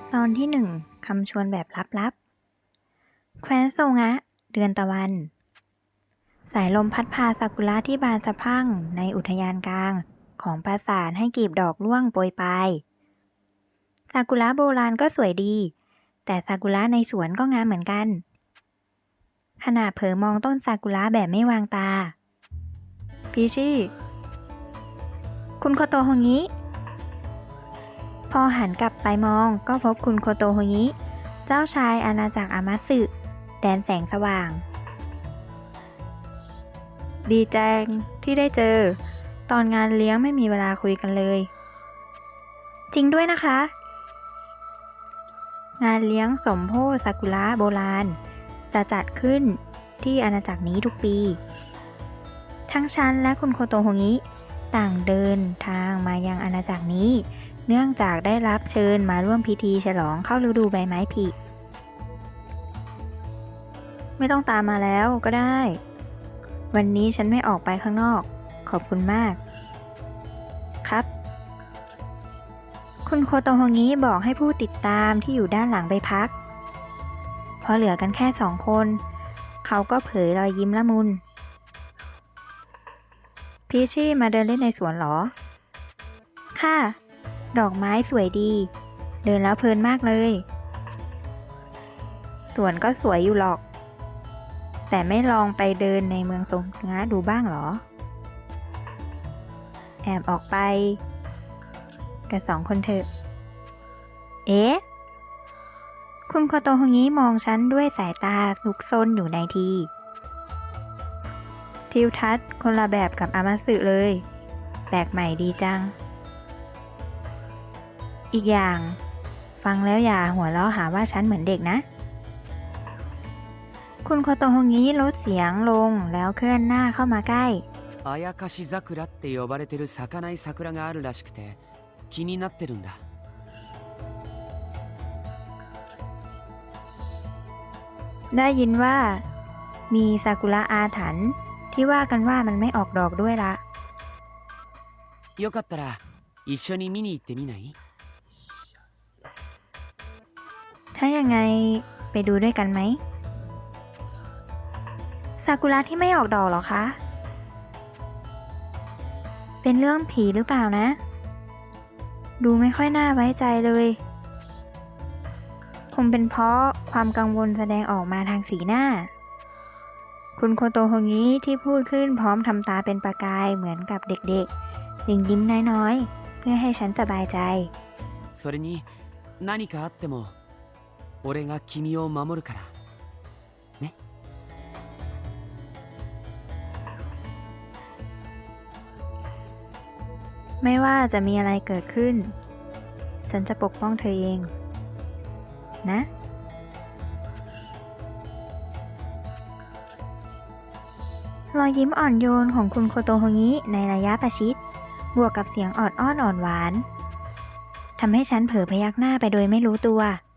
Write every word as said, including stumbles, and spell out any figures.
ตอนที่หนึ่งคำชวนแบบลับๆแคว้นโซงะ เดือนตะวัน สายลมพัดพาซากุระที่บานสะพรั่งในอุทยานกลางของปราสาทให้กลีบดอกร่วงโปรยปลายซากุระโบราณก็สวยดี แต่ซากุระในสวนก็งามเหมือนกัน ขณะเผลอมองต้นซากุระแบบไม่วางตาพีชี่คุณโคโตโฮงิพอหันกลับไปมองก็พบคุณโคโตโฮงิเจ้าชายอาณาจักรอามาสึแดนแสงสว่าง ดีจังที่ได้เจอ ตอนงานเลี้ยงไม่มีเวลาคุยกันเลย จริงด้วยนะคะ งานเลี้ยงสมโภชซากุระโบราณจะจัดขึ้นที่อาณาจักรนี้ทุกปี ทั้งฉันและคุณโคโตโฮงิต่างเดินทางมายังอาณาจักรนี้ เนื่องจากได้รับเชิญมาร่วมพิธีฉลองเข้าฤดูใบไม้ผลิไม่ต้องตามมาแล้วก็ได้ วันนี้ฉันไม่ออกไปข้างนอก ขอบคุณมาก ครับ คุณโคโตโฮงิบอกให้ผู้ติดตามที่อยู่ด้านหลังไปพัก พอเหลือกันแค่สองคน เขาก็เผยรอยยิ้มละมุน พีชี่มาเดินเล่นในสวนหรอ ค่ะ ดอกไม้สวยดี เดินแล้วเพลินมากเลย สวนก็สวยอยู่หรอก แต่ไม่ลองไปเดินในเมืองโซงะดูบ้างหรอ แอบออกไปกันสองคนเถอะ เอ๊ะ คุณโคโตโฮงิมองฉันด้วยสายตาซุกซนอยู่ในทีทิวทัศน์คนละแบบกับอามาสึเลย แปลกใหม่ดีจัง อีกอย่าง ฟังแล้วอย่าหัวเราะหาว่าฉันเหมือนเด็กนะ คุณโคโตโฮงิลดเสียงลงแล้วเคลื่อนหน้าเข้ามาใกล้あやかし桜って呼ばれてる咲かない桜があるらしくて気になってるんだ。 ได้ยินว่ามีซากุระอาถรรพ์ที่ว่ากันว่ามันไม่ออกดอกด้วยละよかったら一緒に見に行ってみない？ ถ้ายังไงไปดูด้วยกันไหมซากุระที่ไม่ออกดอกหรอคะ เป็นเรื่องผีหรือเปล่านะ ดูไม่ค่อยน่าไว้ใจเลยคงเป็นเพราะความกังวลแสดงออกมาทางสีหน้า คุณโคโตโฮงิที่พูดขึ้นพร้อมทำตาเป็นประกายเหมือนกับเด็กๆยิ้มยิ้มน้อยๆเพื่อให้ฉันสบายใจそれに何かあっても俺が君を守るからね。 ไม่ว่าจะมีอะไรเกิดขึ้นฉันจะปกป้องเธอเองนะรอยยิ้มอ่อนโยนของคุณโคโตโฮงิในระยะประชิดบวกกับเสียงออดอ้อนอ่อนหวานทำให้ฉันเผลอพยักหน้าไปโดยไม่รู้ตัว